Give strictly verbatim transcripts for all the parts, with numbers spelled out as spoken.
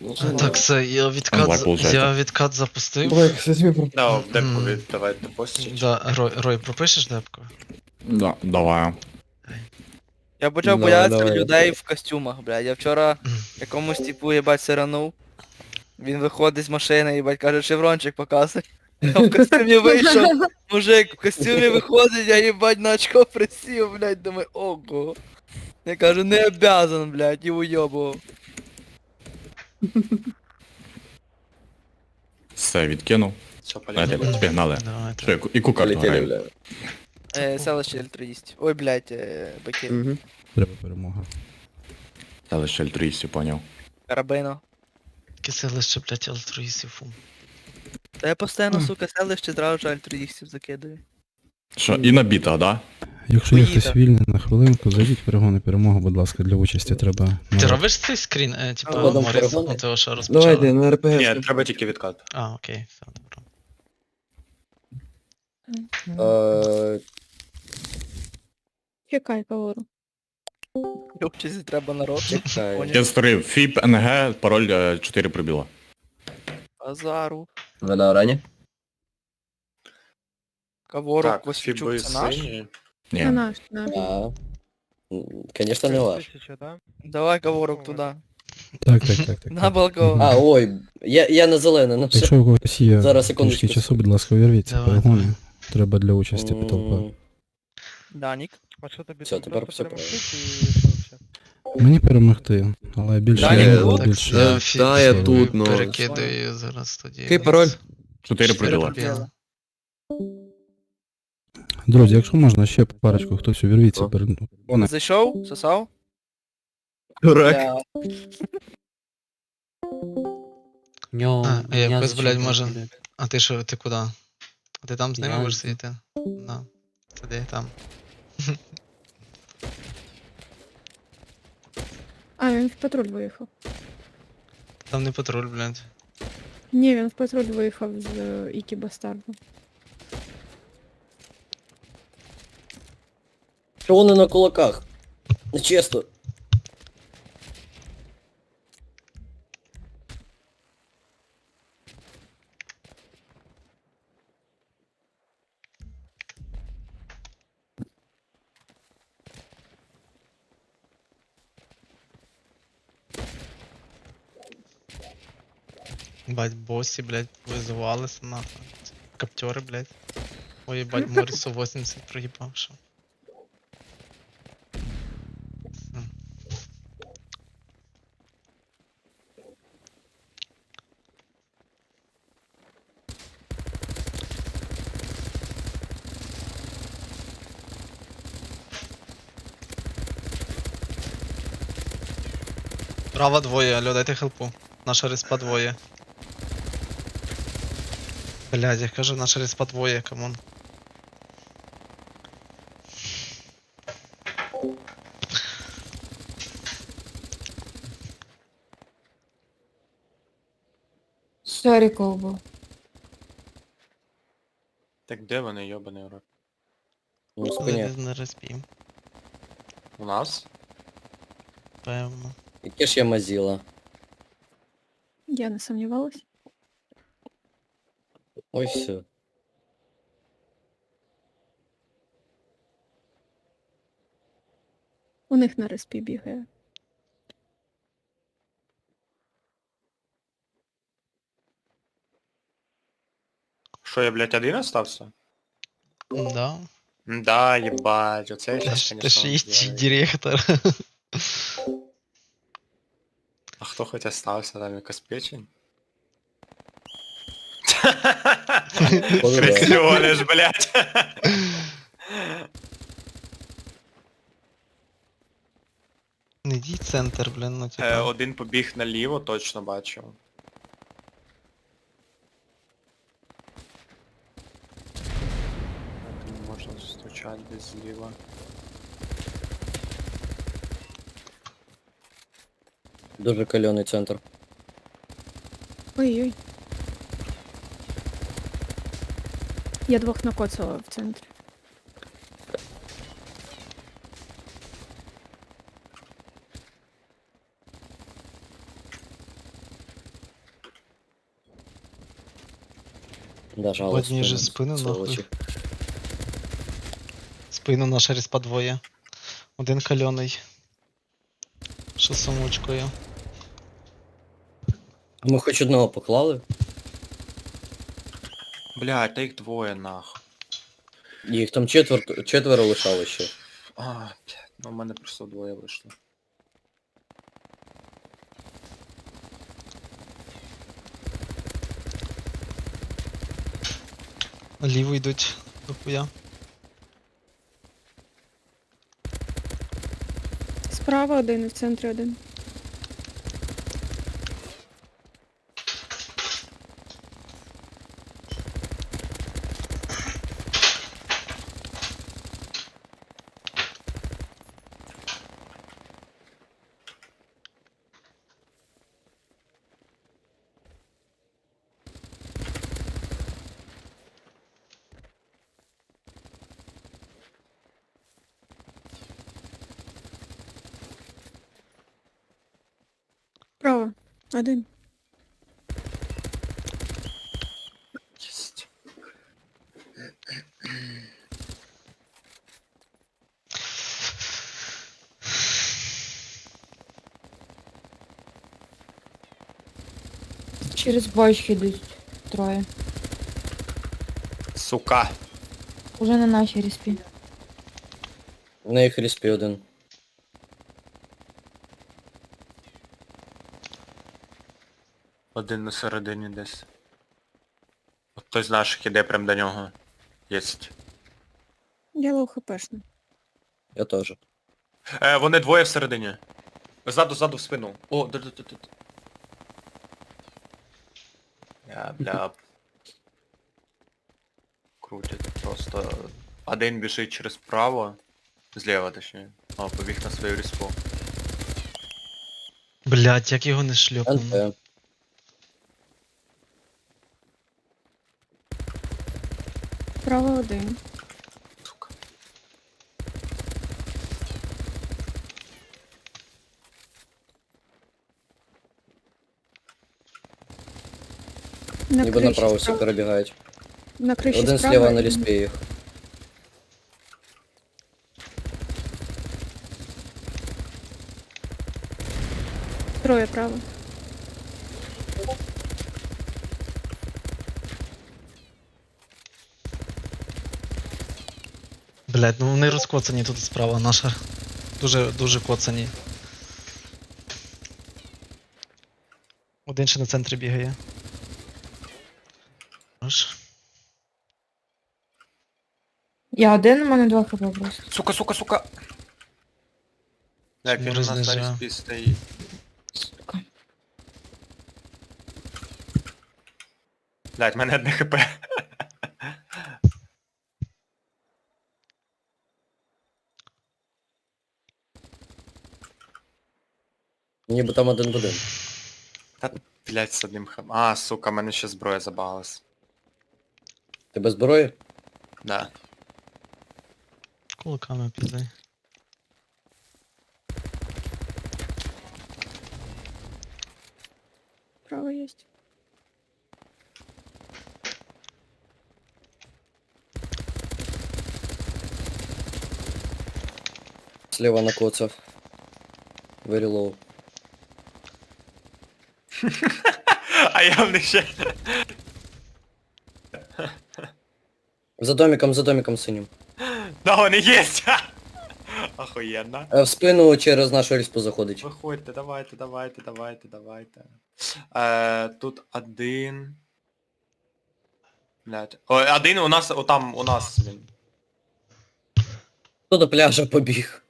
Ну, Е, Так, все, я відкат, Онлайн, за- получається. я відкат запустив. Блэк, кстати, мне про... Да, в депку Мгм. віддавайте постіч. Да, Рой, Рой, пропишеш депку? Да, давай. Я почав Ну, боятися давай. людей в костюмах, блядь. Я вчора якомусь типу, їбать, сиранув. Він виходить з машини, їбать, каже, шеврончик показуй. Я в костюмі вийшов, мужик в костюмі виходить, я їбать на очко присів, блядь, думаю, ого. Я кажу, не обязан, блядь, і уйобував. Все, відкинув. Все, Давайте, полетіли. пігнали. Давайте. Що, і кукар Полетели, граємо. бля. Е, селище альтруїстів. Ой, блядь, е, баки. Мгм. Треба перемога. Та лише альтруїстів, поняв. Карабино. Яке селище, блядь, альтруїстів, фу. Та я постійно, сука, селище зразу ж альтруїстів закидаю. Що, і на бітах, да? Якщо є Поїде. хтось вільний на хвилинку, зайдіть в перегони перемогу, будь ласка, для участі треба. Ти народ. робиш цей скрін, е, типу, А, потім Моріс, перегони? ну того, що розпочали? Давайте, на РПГ. Ні, треба тільки відкат. А, окей, все, добре. Э, Чекай, Каору. Для участі треба народ. Чекай. Поняв. Я створив фіп, НГ, пароль е, чотири пробіла. Азару. Вы на рані? Каворок, Так, Васильчук, фіби це наш? сині. Е. Це Ні. наш, наш. А, м, конечно, не ваш. Давай Каворок туди. Так, так, так, так. На так. балкон. А, ой, я, я на зелене, ну все. Якщо у когось є Зараз, секундочку. трішки часу, будь ласка, увірвіться в Давай, перегони. давай. Треба для участі потолпа. М, Данік. Все, тепер все правильно. Мені перемогти, але більше Далі, я ну, Так, більше. я Да, фі- да, я фі- тут, но- перекидаю зараз тоді. Який пароль? Чотири Чотири пробіла. пробіла. Друзі, якщо можна, ще парочку, хтось увірвіться О. перед перегони. Зайшов? Сосав? Дурак. Бля. А, а якось, блядь, може... А ти що, ти куди? А ти там з ними будеш сидіти? Да. Сиди там. А, він в патруль виїхав. Там не патруль, блядь. Ні, він в патруль виїхав з е, Ікі Бастарду. Що вони на кулаках? Нечесно. Бать, босі, блядь, визивалися нахуй. Каптери, блядь. Ой, ебать, Морісу вісімдесят проїбав, що. Все. Права двоє, алло, дайте хелпу. Наша респа двоє. Блядь, я кажу, наша респа двоє, камон. Шариков був. Так де вони, йобаний урод? Ну, спиня. Десь на респі, У нас? певно. Яке ж я мазіла? Я не сумнівалась. Ой, все. У них на респі бігає. Що, я, блядь, один остався? Да. Да, ебать, оце я Ти щас, ж, ти конечно, ж їсть узнаю. директор. А хто хоч остався, там якась печень? Поздравляю. Крестюниш, блядь. Не йди центр, блін, ну Е, типа. Один побіг наліво, точно бачив. Тут можна стучати десь зліва. Дуже кальоний центр. Ой-ой. Я двох накоцала в центрі. Да, жало Одні же спину нахуй. сволочі. Спину наша респа двоє. Один кальоний. Що з сумочкою. А ми хоч одного поклали? Блядь, та їх двоє нахуй. Їх там четвер... четверо лишало ще. А, блядь, ну в мене просто двоє вийшло. Наліво йдуть до хуя. Справа один і в центрі один. Справа. Один. Єсть. Через бочки йдуть троє. Сука. Уже на нашій респі. На їх респі один. Один на середині десь. От той з наших іде прям до нього. Єсть. Я лоу хпшна. Я теж. Е, вони двоє всередині. Ззаду, ззаду в спину. О, да, да, да, да. Я, бля. Крутять просто. Один біжить через право. Зліва точніше. О, побіг на свою респу. Блять, як його не шльопнув. НТ. Справа один. Сука. На Ніби криші направо всі справа. перебігають. На криші Один справа. сліва на і- респі їх. Троє право. Блять, ну вони розкоцані тут справа наша. Дуже, дуже коцані. Один ще на центрі бігає. Аж. Я один, у мене два хп просто. Сука, сука, сука! Так, він у нас на Рознижаю. респі стоїть. Сука. Блядь, в мене одне хп. Ніби там один в один. Та, блядь, з одним хп. А, сука, в мене ще зброя забагалась. Ти без зброї? Да. Кулаками піздай. Право есть. Сліва накоцав. Very low. А я в них ще... За домиком, за домиком синім. Да, вони єсть! Охуєнно. Е, В спину через нашу респу заходить. Виходьте, давайте, давайте, давайте, давайте. Е, тут один... Блядь. Ой, один у нас, отам, у нас, він. Хто до пляжа побіг?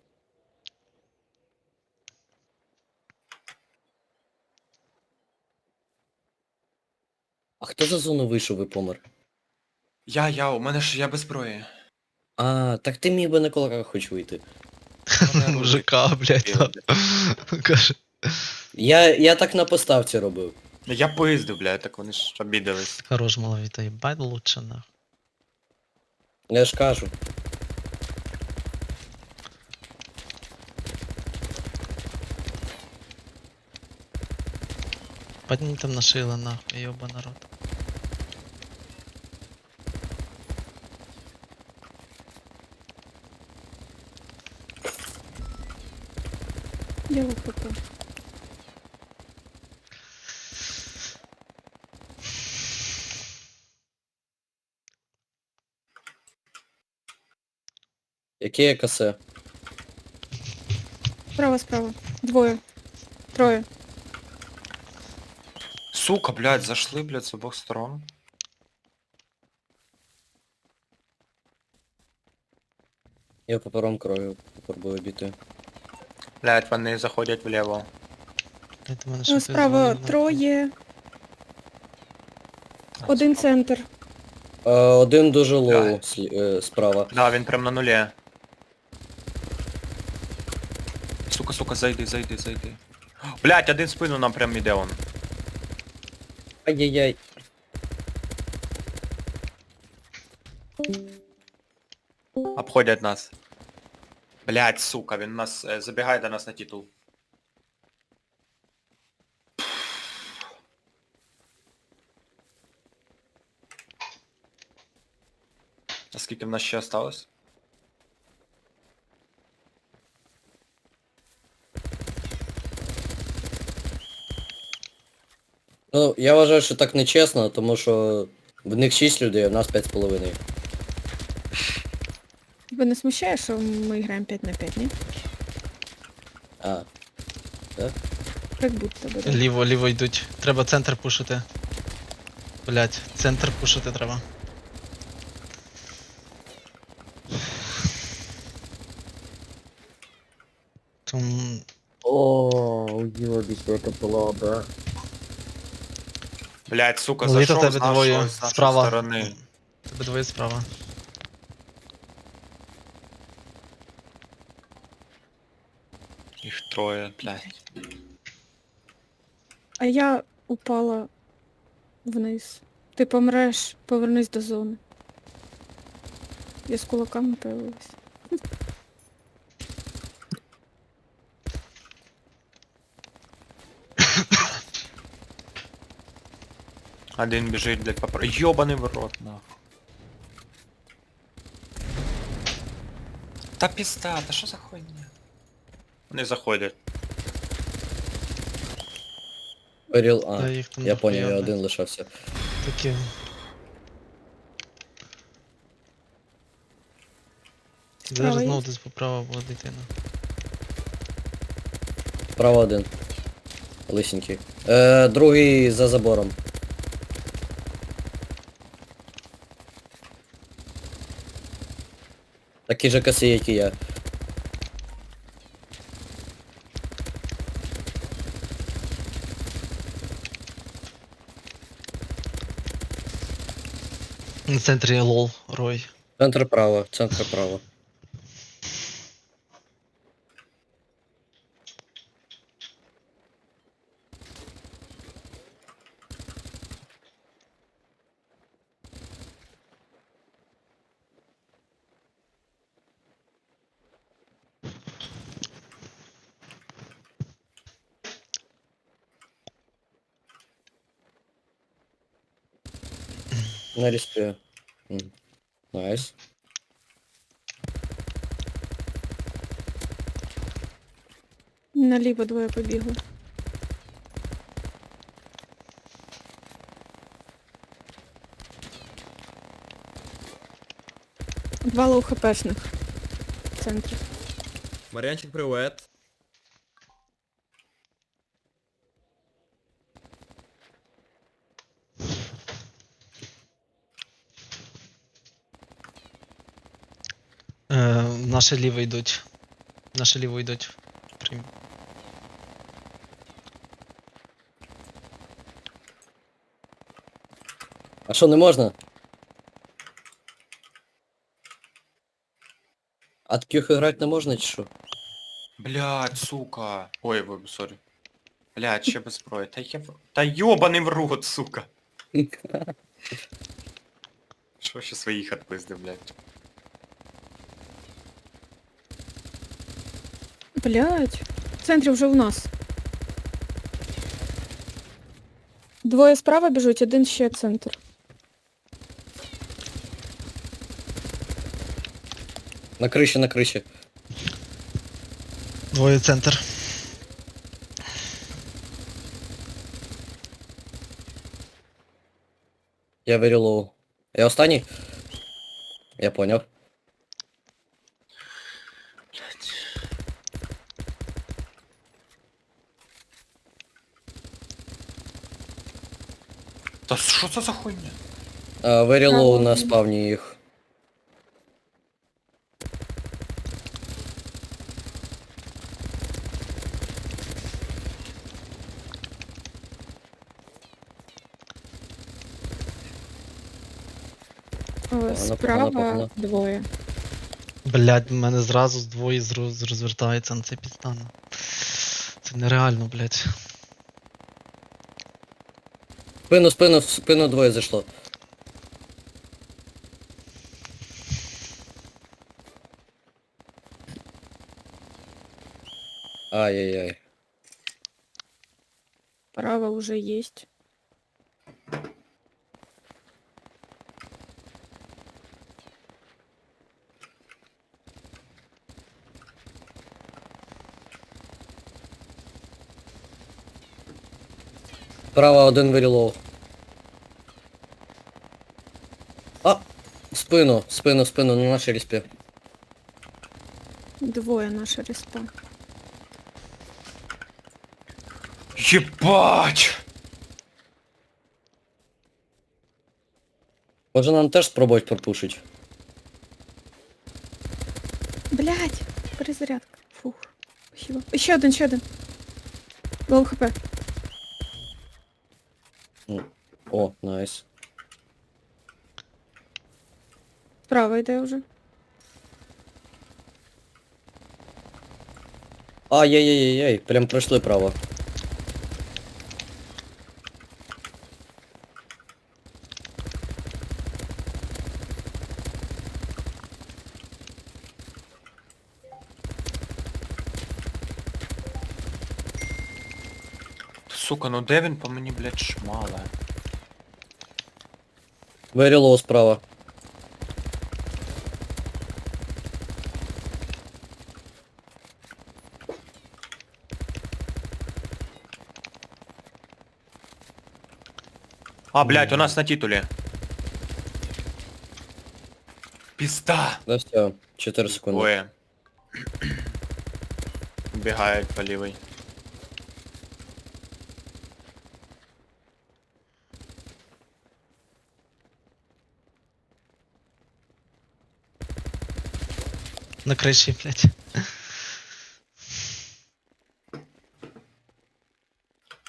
А хто за зону вийшов і помер? Я, я, у мене ж я без зброї. А, так ти міг би на кулаках хоч вийти. Мужика, блять, там. Каже. Я, я так на поставці робив. Я поїздив, блядь, так вони ж обідались. Хорош, маловіта, їбать лучше нахуй. Я ж кажу. Падні там нашили нахуй, йоба народ. Я вихопу. Яке є касе? Справа, справа. Двоє. Троє. Сука, блядь, зашли, блядь, з обох сторон. Я попером крою, попробую обійти. Блядь, вони заходять вліво. Я до мене ще Е, хтось Справа дзвонив, троє. Один центр. Е, один дуже лоу Давай. слі- е, справа. Да, він прям на нулі. Сука, сука, зайди, зайди, зайди. Блядь, один в спину нам прям іде он. Ай-яй-яй. Обходять нас. Блядь, сука, він нас е, забігає до нас на титул. А скільки в нас ще осталось? Ну, я вважаю, що так нечесно, тому що в них шість людей, а в нас п'ять з половиною. Тебе не смущає, що ми граємо п'ять на п'ять, ні? А, Як будто би. да. Ліво, ліво йдуть. Треба центр пушити. Блять, центр пушити треба. Там... о, йобісь, яка була, бра. Блядь, сука, Літо зайшов тебе з нашої, двоє з нашої справа. сторони. Тебе двоє справа. Їх троє, блядь. А я упала вниз. Ти помреш, повернись до зони. Я з кулаками появилась. Один біжить, блядь, попро... Йобаний в рот, нахуй. Та пізда, та що за хуйня? Вони заходять. Оріл, а, Та їх там я поняв, я дохуя, один блядь. лишався. Такі. Справа Зараз є? знову десь поправа була дитина. Справа один. Лисенький. Е, другий за забором. Такі же коси, як і я. На центрі лол, Рой. Центр право, центр право. На респе. М. Найс. Наліво двоє побігли. Два лоу хпшних в центрі. Мар'янчик, привет. Е, Наше ліво йдуть. Наше ліво йдуть. Прям. А що, не можна? А таких грати не можна чи що? Блядь, сука. Ой, ой, сорі. Блядь, ще без зброї. Та я... в- Та йобаний в рот, сука. Що ще своїх отпизди, блядь. Блять. В центрі вже у нас. Двоє справа біжуть, один ще центр. На криші, на криші. Двоє центр. Я very low. Я останній? Я поняв. Та що це за хуйня? А, very low Право. на спавні їх. О, Погано, Справа погано. двоє. Блядь, в мене зразу з двоє зро- розвертається на це підстане. Це нереально, блядь. Спину, спину, в спину двоє зайшло. Ай-яй-яй. Право уже есть. Право один very low. А! В спину, в спину, в спину, на нашій респі. Двоє наша респа. Єбать! Може нам теж спробувати пропушить? Блять, перезарядка. Фух. Спасибо. Ще один, ще один. Лоу хп. О, найс. Справа йде вже. Ай-яй-яй-яй, прям пройшли право. Сука, ну де він по мені, блядь, шмале? Very low справа. А, блядь, у нас на титулі. Пізда. Да все, чотири секунди. Двоє. Бігають по лівій. На криші, блядь.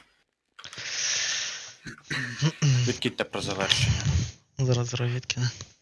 Відкидьте про завершення. Зараз зараз відкине.